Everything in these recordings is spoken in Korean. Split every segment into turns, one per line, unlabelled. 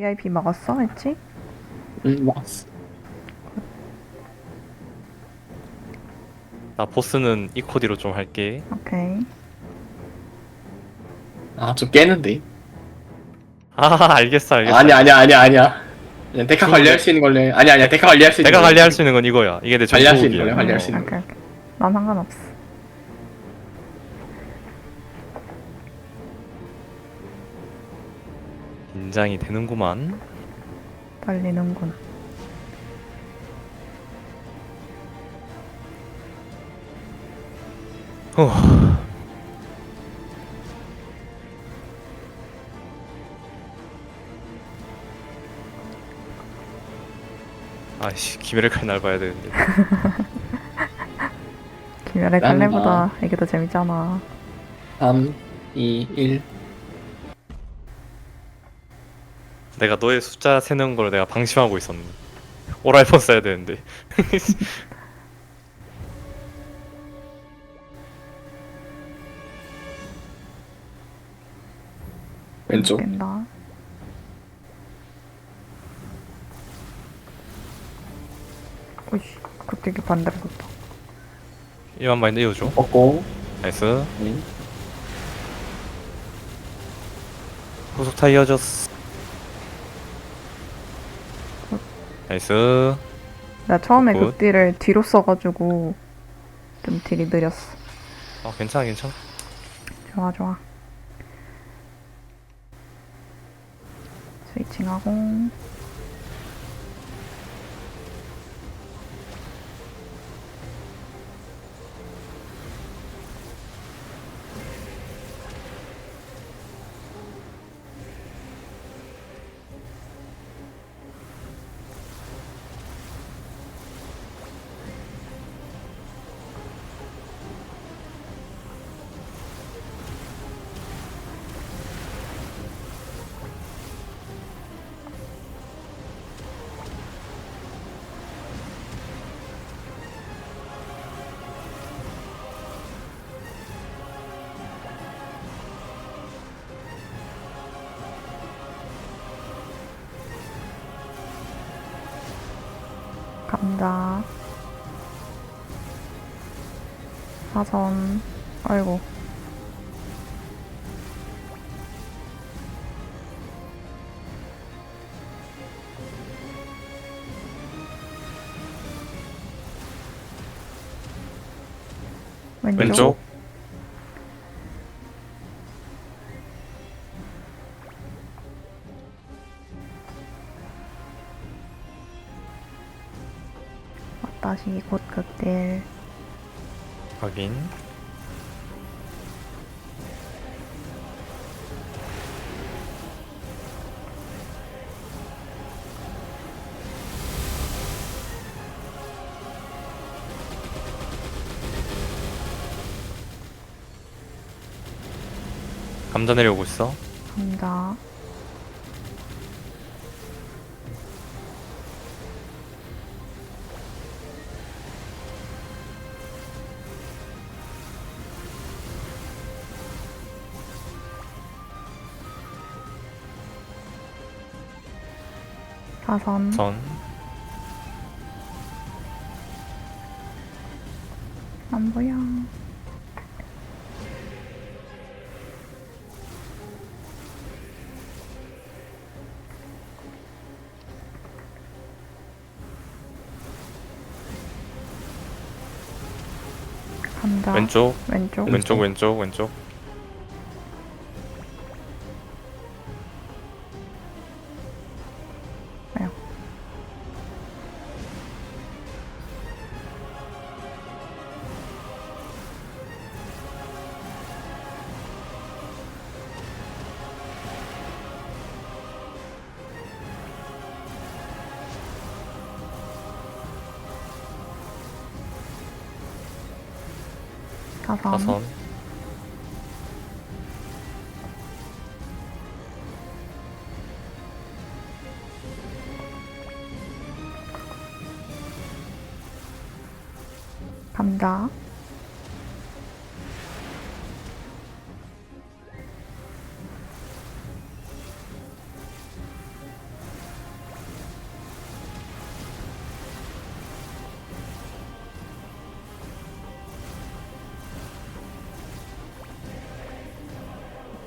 VIP 먹었어? 했지?
응, 먹었어.
나 보스는 이코디로 좀 할게.
오케이.
아, 좀 깨는데.
아, 알겠어, 알겠어,
아니야, 아니야,
알겠어.
아니야, 아니야. 그냥 데카 관리할
중국에
수 있는 걸로 해. 아니야, 아니야, 데카 관리할 수 있는
내가
걸로 해.
관리할 수 있는 건 이거야. 이게 내
관리할 수 있는 걸로
전투기야.
해, 관리할 수 있는
어.
걸로.
오케이, 오케이. 난 상관없어.
긴장이 되는구만.
떨리는군.
후. 아이씨, 기회를 칼날 봐야 되는데.
김열의
난,
칼레보다 이게 더 재밌잖아.
3, 2, 1.
내가 너의 숫자 세는 걸 내가 방심하고 있었네. 오랄폰 써야 되는데.
왼쪽.
깬다. 오이씨, 갑자기 반대로 갔다.
이만 마인드 이어줘.
꺾고.
나이스.
응.
후속 타 이어졌어. 나이스.
나 처음에
굿.
극딜을 뒤로 써가지고 좀 딜이 느렸어.
괜찮아, 괜찮아.
좋아, 좋아. 스위칭하고. 감자. 사선. 아이고. 왼쪽.
왼쪽.
다시 곧 극딜.
확인. 감자 내려오고 있어.
감자. 사선.
선.
안 보여. 감자.
왼쪽.
왼쪽.
왼쪽, 왼쪽, 왼쪽.
왜요? 사선.
사선.
감자.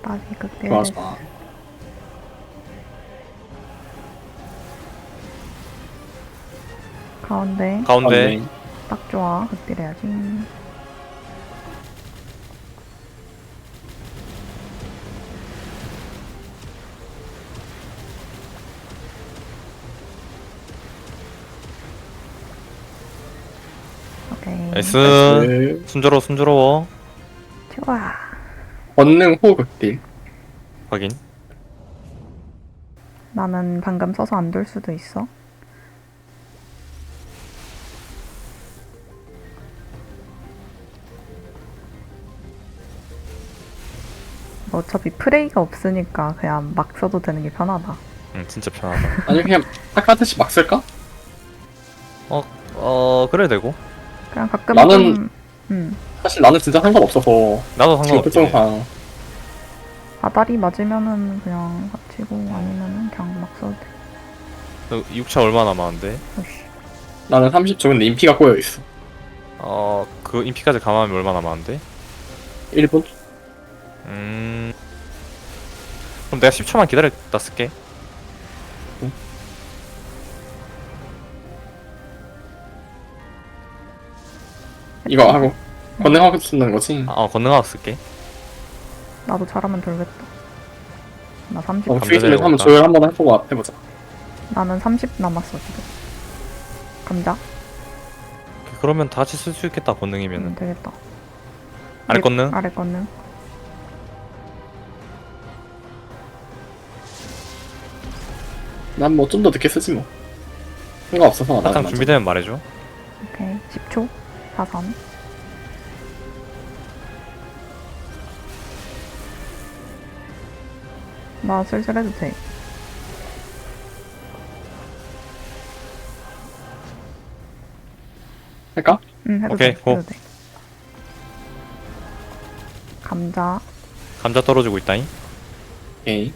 다시 극딜
좋아
됐어.
좋아.
가운데
가운데.
딱 좋아. 극딜 해야지. 오케이.
나이스.
나이스.
순조로워.
좋아.
권능 호 극딜.
확인.
나는 방금 써서 안 돌 수도 있어. 뭐 어차피 프레이가 없으니까 그냥 막 써도 되는 게 편하다.
응, 진짜 편하다.
아니 그냥 아까듯이 막 쓸까?
그래 되고.
그냥 가끔
나는-
좀
사실 나는 진짜 상관없어서
나도
지금
상관없지.
특성상
아다리 맞으면은 그냥 합치고 아니면은 그냥 막 써도 돼.
6차 얼마 남았는데?
오씨.
나는 30초 근데 인피가 꼬여 있어.
그 인피까지 감안하면 얼마 남았는데?
1분?
그럼 내가 10초만 기다렸다 쓸게.
이거 하고 권능하고 쓰는 거지.
건능하고 쓸게.
나도 잘하면 돌겠다. 나 30.
어,
감자
스위치를 한번
내려볼까?
조율 한번 해보고 해보자.
나는 30 남았어 지금. 감자.
그러면 다 같이 쓸 수 있겠다 권능이면은.
되겠다.
아래 권능?
아래 건능.
난 뭐 좀 더 늦게 쓰지 뭐. 상관없어서.
사탕
나는
준비되면 말해줘.
오케이. 10초. 사선. 나 슬슬 해도 돼.
할까?
응, 해도
오케이,
돼.
고.
해도 돼. 감자.
감자 떨어지고 있다잉.
오케이.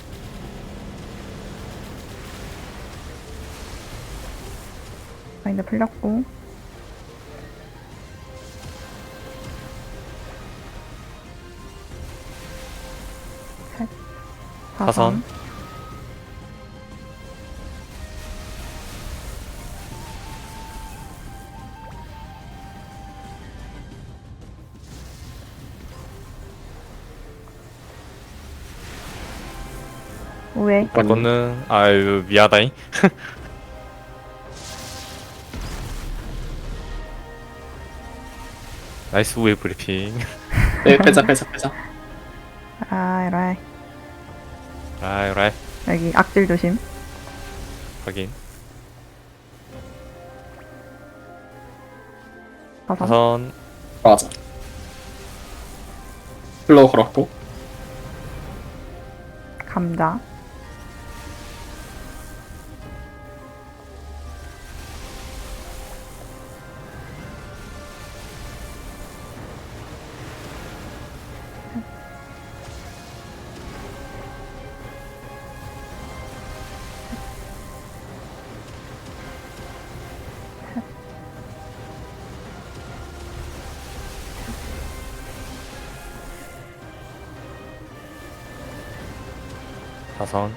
마인드 풀렸고. 셋.
사선.
우회.
권능. 아유 미안하다잉. 나이스 우회 브리핑.
네, 빼자.
아, 이래.
아이라이.
여기 악질 조심.
확인.
사선.
사선.
맞아. 플로우 걸었고.
감자.
사선.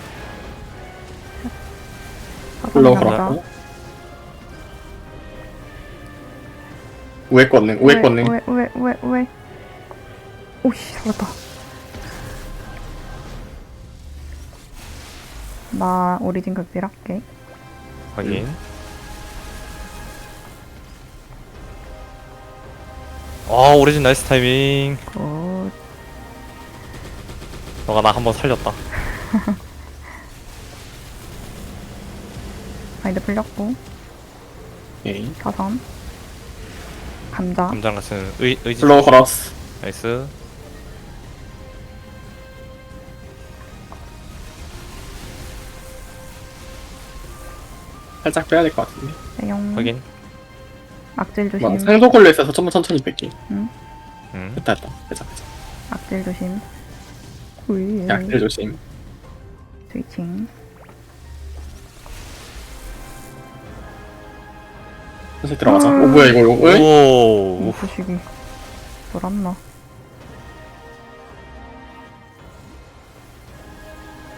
플로우
사선 감자.
걸었고. 우회 권능.
우회. 오씨, 살았다. 나 오리진 극딜 할게.
확인. 오리진 나이스 타이밍.
굿.
너가 나 한번 살렸다.
마인드 풀렸고.
오케이.
사선. 감자.
감장 같은 의지.
플로우 걸었어.
나이스.
살짝 빼야 될 것 같은데.
대용.
확인.
악질
막
조심.
상속 걸려 있어서 좀만 천천히 뺄게. 됐다. 빼자.
악질 조심. ui.
약들 조심.
스위칭.
다시 들어가자. 오 뭐야 이거 왜?
오.
부식이 돌았나?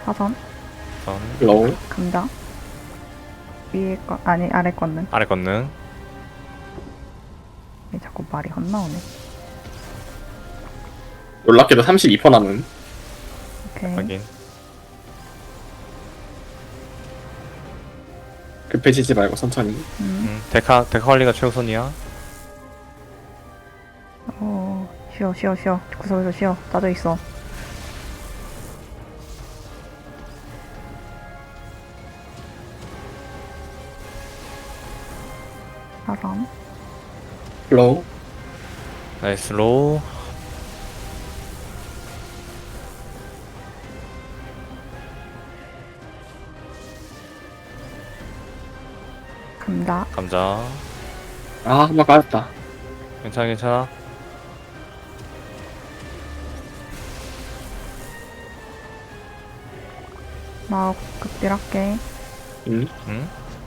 사선.
로우.
감자. 위에 거 아니 아래 거는
아래 건능.
왜 자꾸 말이 헛나오네.
놀랍게도 32% 남은.
오케이.
확인.
급해지지 말고 천천히.
데카 관리가 최우선이야.
쉬어. 구석에서 쉬어. 따져 있어. 사선.
로우.
나이스 로우.
감자.
감자.
아, 한 번 까였다.
괜찮아.
나 극딜할게.
응?
응?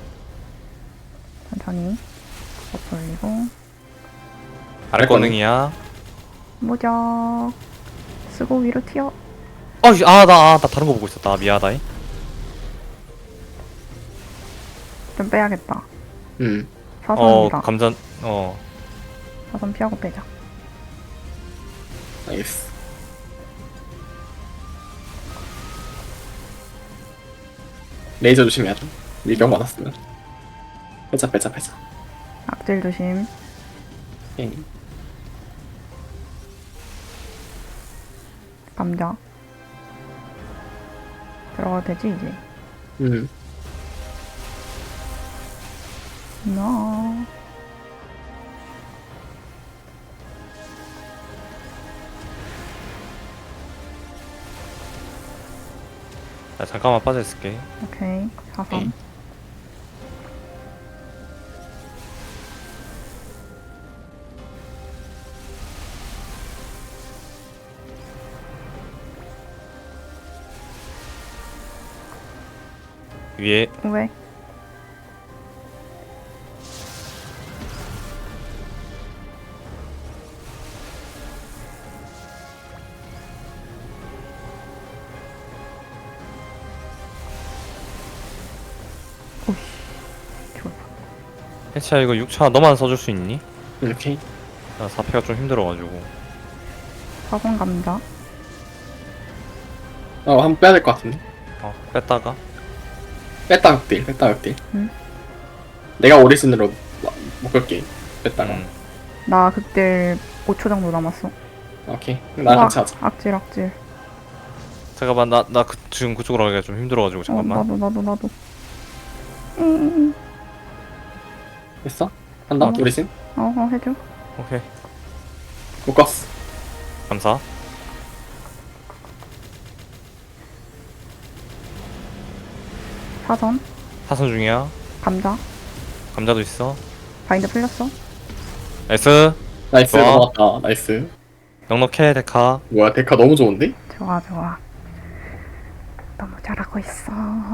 천천히. 버프 올리고.
아래 건능이야.
무적. 쓰고 위로 튀어.
나 다른 거 보고 있었다. 미안하다.
좀 빼야겠다.
응.
사선이다.
감자.
사선 피하고 빼자.
나이스. 레이저 조심해야죠. 밀병 받았으면. 빼자.
악질 조심.
오케이.
감자. 들어가도 되지 이제.
응.
나.
나 잠깐만 빠져 있을게.
오케이. 사선.
네.
위에
왜? 오씨. 좋아.
해치야 이거 6차 너만 써줄 수 있니?
오케이.
나 4패가 좀 힘들어가지고.
사선 감자.
한번 빼야 될 것 같은데.
뺐다가.
뺐다 극딜.
응.
내가 오리진으로 묶을게. 뺐다가.
나 극딜 5초 정도 남았어.
오케이. 나랑 같이 하자.
악질.
잠깐만 나 지금 그쪽으로 가기가 좀 힘들어가지고 잠깐만.
나도.
됐어? 한다? 오리진?
해줘.
오케이.
묶었어.
감사.
사선.
사선 중이야.
감자.
감자도 있어.
바인드 풀렸어.
나이스.
나이스.
좋아.
넘어갔다. 나이스.
넉넉해 데카.
뭐야, 데카 너무 좋은데?
좋아. 너무 잘하고 있어.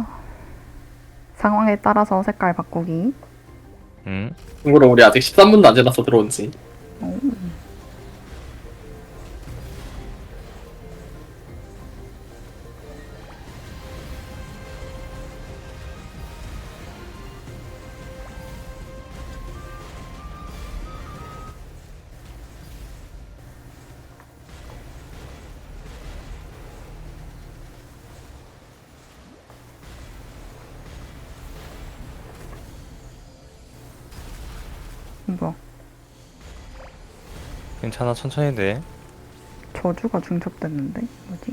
상황에 따라서 색깔 바꾸기.
참고로 우리 아직 13분도 안 지났어, 들어온지.
오. 뭐야?
괜찮아 천천히 돼.
저주가 중첩됐는데? 뭐지?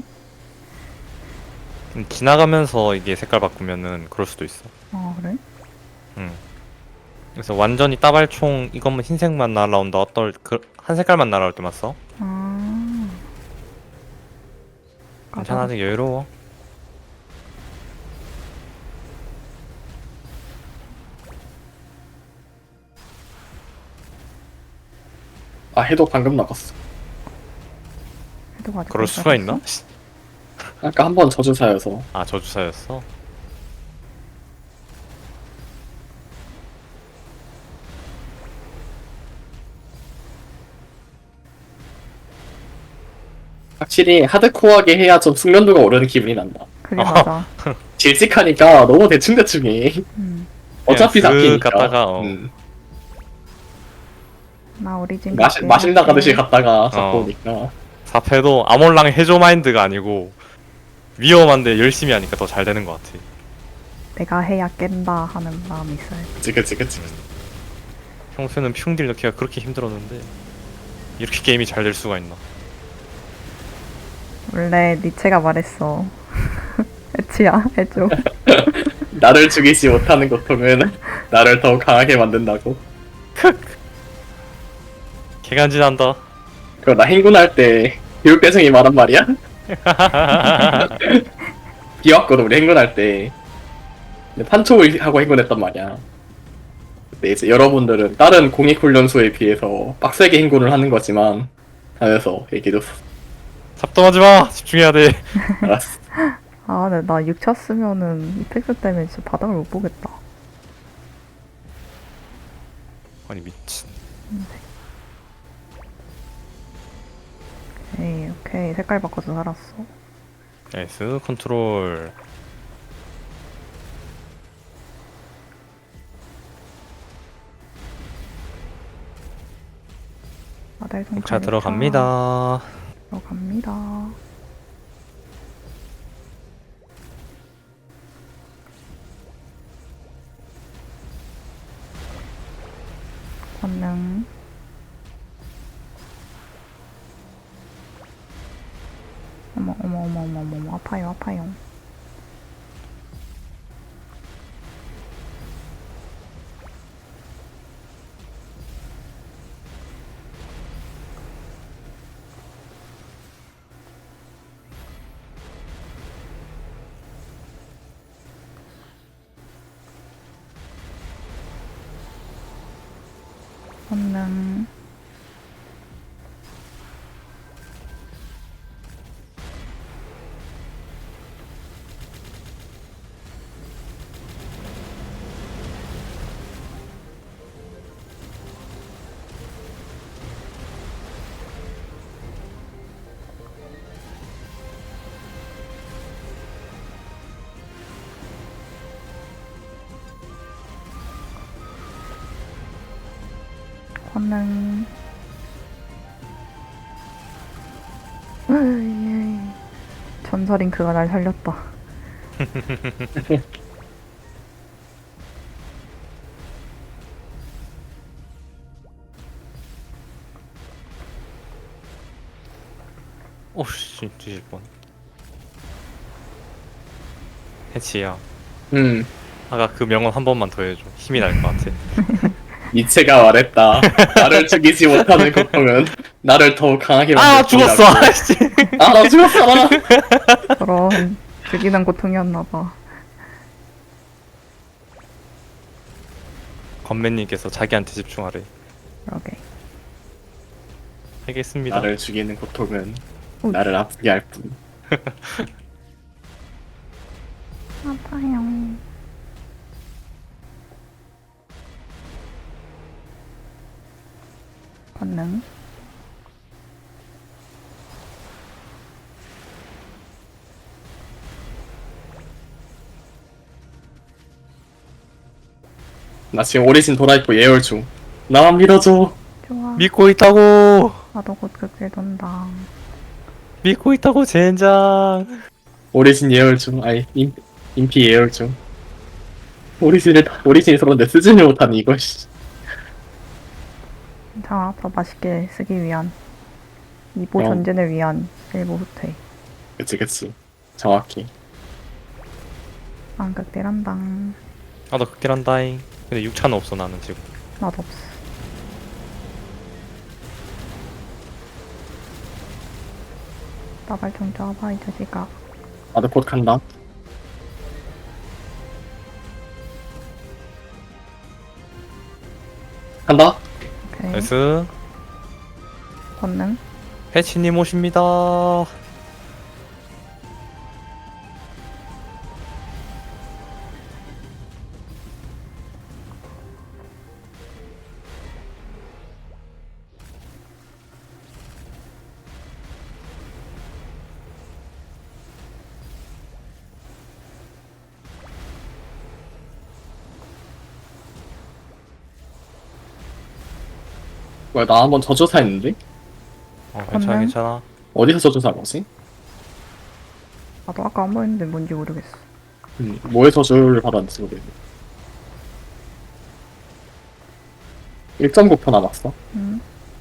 지나가면서 이게 색깔 바꾸면은 그럴 수도 있어.
아 그래?
그래서 완전히 따발총 이것만 흰색만 날아온다. 한 색깔만 날아올 때만 써.
아.
괜찮아 아직 여유로워.
해도 방금 나갔어.
해도 아직
그럴
못
수가
잡았어?
있나?
아까 한 번 저주사여서.
아 저주사였어?
확실히 하드코어하게 해야 좀 숙련도가 오르는 기분이 난다.
그게 맞아.
질직하니까 너무 대충대충해. 어차피
그냥 쓱
잡히니까.
갔다가,
나 오리진
마신 나가듯이 갔다가 잡고
어.
오니까.
4패도 아몰랑 해줘 마인드가 아니고 위험한데 열심히 하니까 더 잘 되는 것 같아.
내가 해야 깬다 하는 마음이 있어요.
그치.
평소에는 흉딜 넣기가 그렇게 힘들었는데 이렇게 게임이 잘 될 수가 있나.
원래 니체가 말했어. 애치야, 해줘.
나를 죽이지 못하는 고통은 나를 더욱 강하게 만든다고.
개간지난다.
그거 나 행군할 때 교육대생이 말한 말이야? 비왔거든 우리 행군할 때. 근데 판촉을 하고 행군했단 말이야. 근데 이제 여러분들은 다른 공익훈련소에 비해서 빡세게 행군을 하는 거지만 하면서 얘기해줬어.
잡동하지 마. 집중해야 돼.
알았어.
아, 근데 나 6차 쓰면은 이펙트 때문에 진짜 바닥을 못 보겠다.
아니 미친.
에이, 오케이. 색깔 바꿔서 살았어.
나이스 컨트롤.
아달 손
자 들어갑니다.
들어갑니다. 권능. 어머, 아파요. 권능. 권능. 으이, 전설인 그가 날 살렸다.
오씨 뒤질 뻔. 해치야. 아까 그 명언 한 번만 더 해줘. 힘이 날 것 같아.
니체가 말했다. 나를 죽이지 못하는 고통은 나를 더욱 강하게
아
만든다고.
죽었어. 아씨.
나 죽었어 나.
저런 죽이는 고통이었나봐.
건맨님께서 자기한테 집중하래.
그러게.
알겠습니다.
나를 죽이는 고통은
오.
나를 아프게 할 뿐.
아파요. 권능.
나 지금 오리진 돌아있고 예열 중. 나만 믿어줘.
좋아.
믿고 있다고.
나도 곧 극딜 돈다.
믿고 있다고 젠장.
오리진 예열 중. 아니 인피 예열 중. 오리진이 서는데 쓰지를 못하니 이거 씨.
괜찮아. 더 맛있게 쓰기 위한, 이보
어.
전진을 위한 일부 후퇴.
그치 정확히.
안 극딜한다.
아나 극딜한다잉. 근데 6차는 없어 나는 지금.
나도 없어. 나발 좀 쪄봐 이 자식아.
나도 곧 간다. 간다.
오케이.
나이스.
권능.
해치님 오십니다.
뭐야, 나 한번 저주사 했는데?
괜찮아
건능?
괜찮아.
어디서 저주사 거지?
나도 아까 한 번 했는데 뭔지 모르겠어.
뭐의 저주를 받았는지 모르겠네. 1.9% 남았어.
응?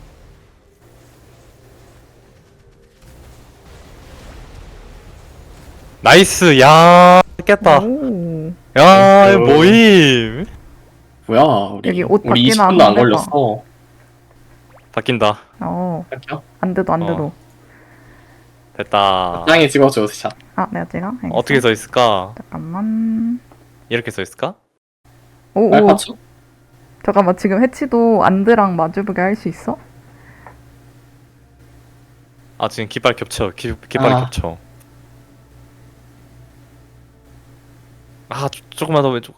나이스. 야 깼다.
오.
야
나이스.
모임.
뭐야, 우리.
여기 옷
우리
바뀌나
20분도 안
한번 해봐.
걸렸어.
바뀐다.
할게요.
안 돼도 안 돼도.
됐다.
땅에 찍어줘, 샷.
아, 내가 찍어? 알겠어.
어떻게 써 있을까?
잠깐만.
이렇게 써 있을까?
오, 오.
알파츠?
잠깐만, 지금 해치도 안드랑 마주보게 할 수 있어?
아 지금 깃발 겹쳐. 깃발이
아.
겹쳐. 아 조금만 더 왼쪽.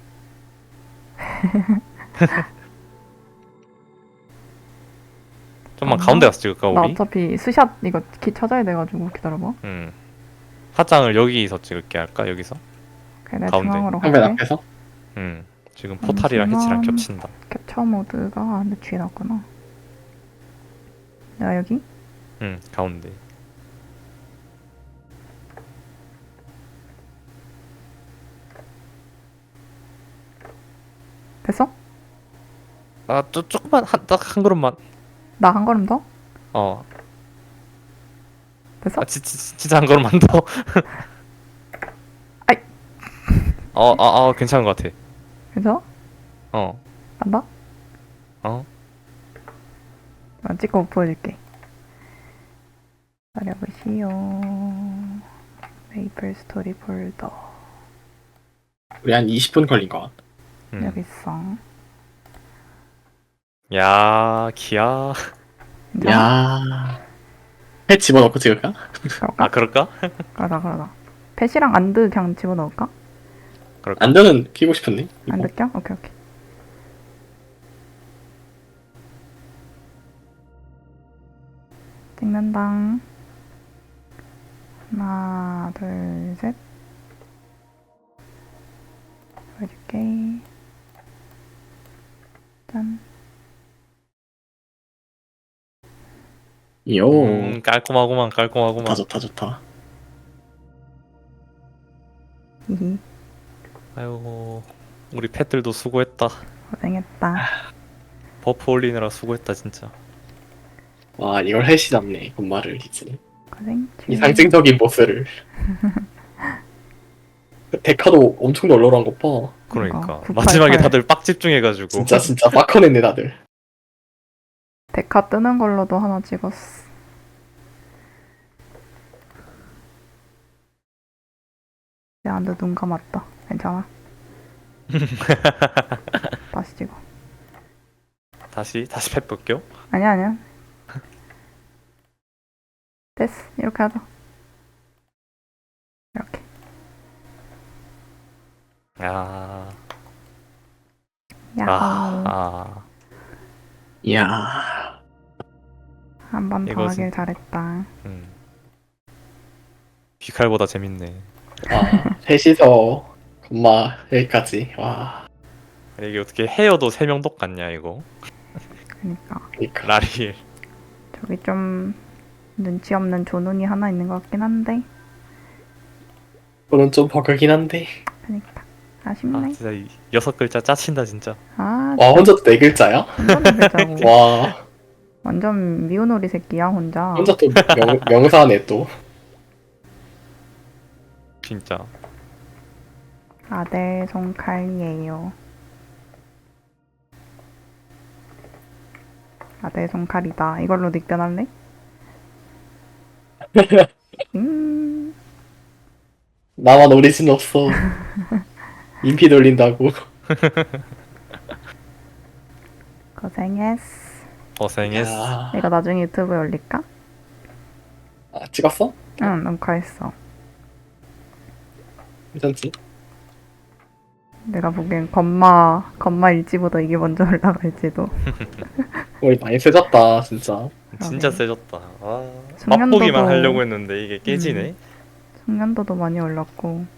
좀만 가운데 가서 찍을까
나
우리?
어차피 스샷 이거 키 찾아야 돼가지고 기다려봐.
화장을 여기서 찍을게 할까 여기서?
그래, 내가
가운데.
중앙으로
한배
갈게.
앞에서?
지금 포탈이랑 해치랑
잠시만.
겹친다.
캡처 모드가 내 뒤에 나왔구나. 내가 여기?
가운데.
됐어?
아 조금만 딱 한 걸음만.
나 한 걸음 더?
어.
됐어?
아 진짜 한 걸음만 더.
아이.
괜찮은 것 같아.
그래서?
어.
간다?
어.
나 찍고 보여줄게. 기다려보시오. 메이플 스토리 폴더.
우리 한 20분 걸린 것 같아.
여기 있어.
야 기야.
괜찮아?
야. 해 집어넣고 찍을까?
아
그럴까?
그럴까?
그러다. 펫이랑 안드 그냥 집어넣을까?
그럴까?
안드는 키고 싶은데? 이거.
안드 껴? 오케이. 찍는당. 하나, 둘, 셋. 보여줄게. 짠.
요.
깔끔하구만
좋다, 좋다, 좋다.
히히.
아이고 우리 팻들도 수고했다.
고생했다.
버프 올리느라 수고했다 진짜.
와, 이걸 햇이 잡네, 건마를 이제.
고생.
이 상징적인 보스를. 데카도 엄청 널널한 것 봐.
그러니까
그러니까,
마지막에
988.
다들 빡 집중해가지고.
진짜 빡커냈네, 다들.
데카 뜨는 걸로도 하나 찍었어. 내 안드 눈 감았다. 괜찮아? 다시 찍어.
다시 팻 볼게요.
아니야. 됐어. 이렇게 하자. 이렇게.
야.
야호.
아.
이야.
한 번 더
이것은-
하길 잘했다.
귀칼보다 재밌네.
와, 셋이서 건마 여기까지. 와.
아니, 이게 어떻게 헤어도 3명 똑같냐 이거.
그니까.
그러니까.
라리엘.
저기 좀 눈치 없는 조눈이 하나 있는 것 같긴 한데.
그건 좀 버그긴 한데.
그니까.
아
아쉽네.
진짜 이 6글자 짜친다 진짜.
아,
와, 혼자도 4글자야?
완전 되자고.
와,
완전 미운오리 새끼야, 혼자.
혼자 또 명사네 또.
진짜.
아델 손칼이에요. 아델 손칼이다. 이걸로 닉변할래?
나만 오리진 없어. 인피 돌린다고.
고생했어.
고생했어.
야.
이거 나중에 유튜브에 올릴까?
아, 찍었어?
응, 녹화했어.
괜찮지?
내가 보기엔 건마 일지보다 이게 먼저 올라갈지도.
우리 많이 세졌다, 진짜.
진짜 세졌다. 아,
숙련도도-
맛보기만 하려고 했는데 이게 깨지네.
숙련도도 많이 올랐고.